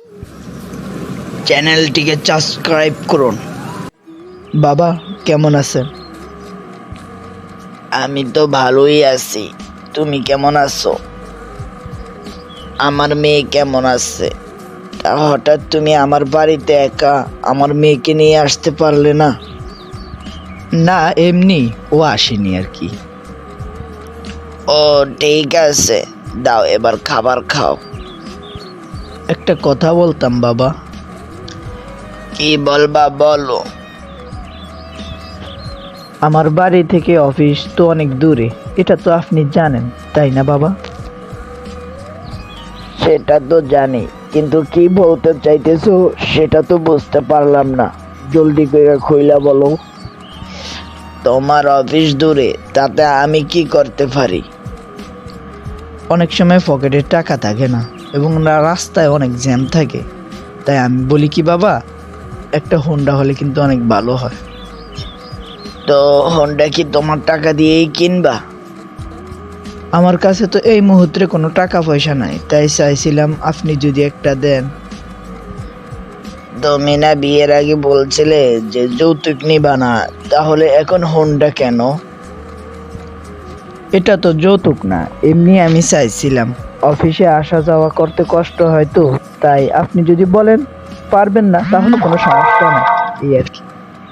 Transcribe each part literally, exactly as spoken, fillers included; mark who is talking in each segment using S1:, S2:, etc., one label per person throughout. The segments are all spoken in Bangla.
S1: চ্যানেলটিকে সাবস্ক্রাইব করুন। বাবা কেমন আছেন? আমি তো ভালোই আছি, তুমি কেমন আছো? আমার মেয়ে কেমন আছে? তা হঠাৎ তুমি আমার বাড়িতে একা আমার মেয়েকে নিয়ে আসতে পারলে না? না, এমনি ও আসেনি আর কি। ও ঠিক আছে, দাও এবার খাবার খাও। একটা কথা বলতাম বাবা। কি বলবা বলো। আমার বাড়ি থেকে অফিস তো অনেক দূরে, এটা তো আপনি জানেন তাই না বাবা? সেটা তো জানি, কিন্তু কি বলতে চাইতেছো সেটা তো বুঝতে পারলাম না। জলদি করে খুইলা বলো। তোমার অফিস দূরে, তাতে আমি কি করতে পারি? অনেক সময় পকেটে টাকা থাকে না এবং রাস্তায় অনেক জ্যাম থাকে, তাই আমি বলি কি বাবা, একটা হোন্ডা হলে কিন্তু অনেক ভালো হয়। তো হোন্ডা কি তোমার টাকা দিয়েই কিনবা? আমার কাছে তো এই মুহূর্তে কোনো টাকা পয়সা নাই, তাই চাইছিলাম আপনি যদি একটা দেন। তুমি না বিয়ের আগে বলছিলে যে যৌতুক নিবা না, তাহলে এখন হোন্ডা কেন? এটা তো যৌতুক না, এমনি আমি চাইছিলাম। অফিসে আসা যাওয়া করতে কষ্ট হয় তো, তাই আপনি যদি বলেন পারবেন না তাহলে কোনো সমস্যা নেই, এই আর কি।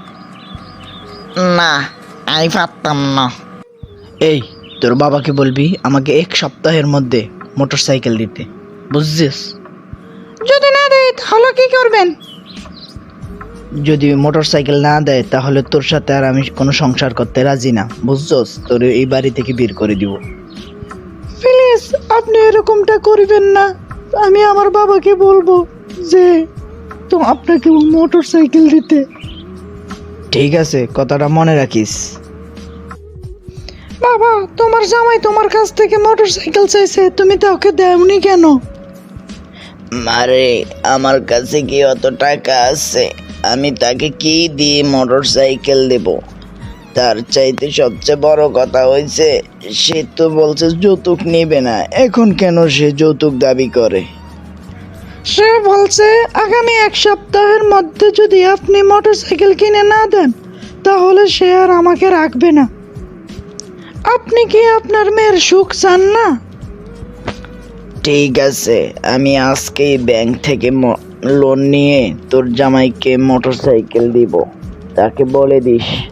S1: না, আমি পারতাম না। এই, তোর বাবাকে বলবি আমাকে এক সপ্তাহের মধ্যে মোটর সাইকেল দিতে, বুঝছিস? যদি না দেয় তাহলে কি করবেন? যদি মোটর সাইকেল না দেয় তাহলে তোর সাথে আর আমি কোনো সংসার করতে রাজি না, বুঝছস? তোর এই বাড়ি থেকে বের করে দিব। প্লিজ আপনি এরকমটা করবেন না। আমি আমার বাবাকে বলবো যে তো আপনাকে মোটর সাইকেল দিতে। ঠিক আছে, কথাটা মনে রাখিস। বাবা, তোমার জামাই তোমার কাছ থেকে মোটর সাইকেল চাইছে, তুমি তো ওকে দেওনি কেন? মারে, আমার কাছে কি অত টাকা আছে? আমি তাকে কি দিয়ে মোটর সাইকেল দেব? তার চাইতে সবচেয়ে বড় কথা হয়েছে, সে তো বলছে যৌতুক নেবে না। এখন কেন সে যৌতুক দাবি করে? সে বলছে আগামী এক সপ্তাহের মধ্যে যদি আপনি মোটর সাইকেল কিনে না দেন তাহলে সে আর আমাকে রাখবে না। আপনি কি আপনার মেয়ের সুখ চান না? ঠিক আছে, আমি আজকেই ব্যাংক থেকে লোন নিয়ে তোর জামাইকে মোটর সাইকেল দিব, তাকে বলে দিস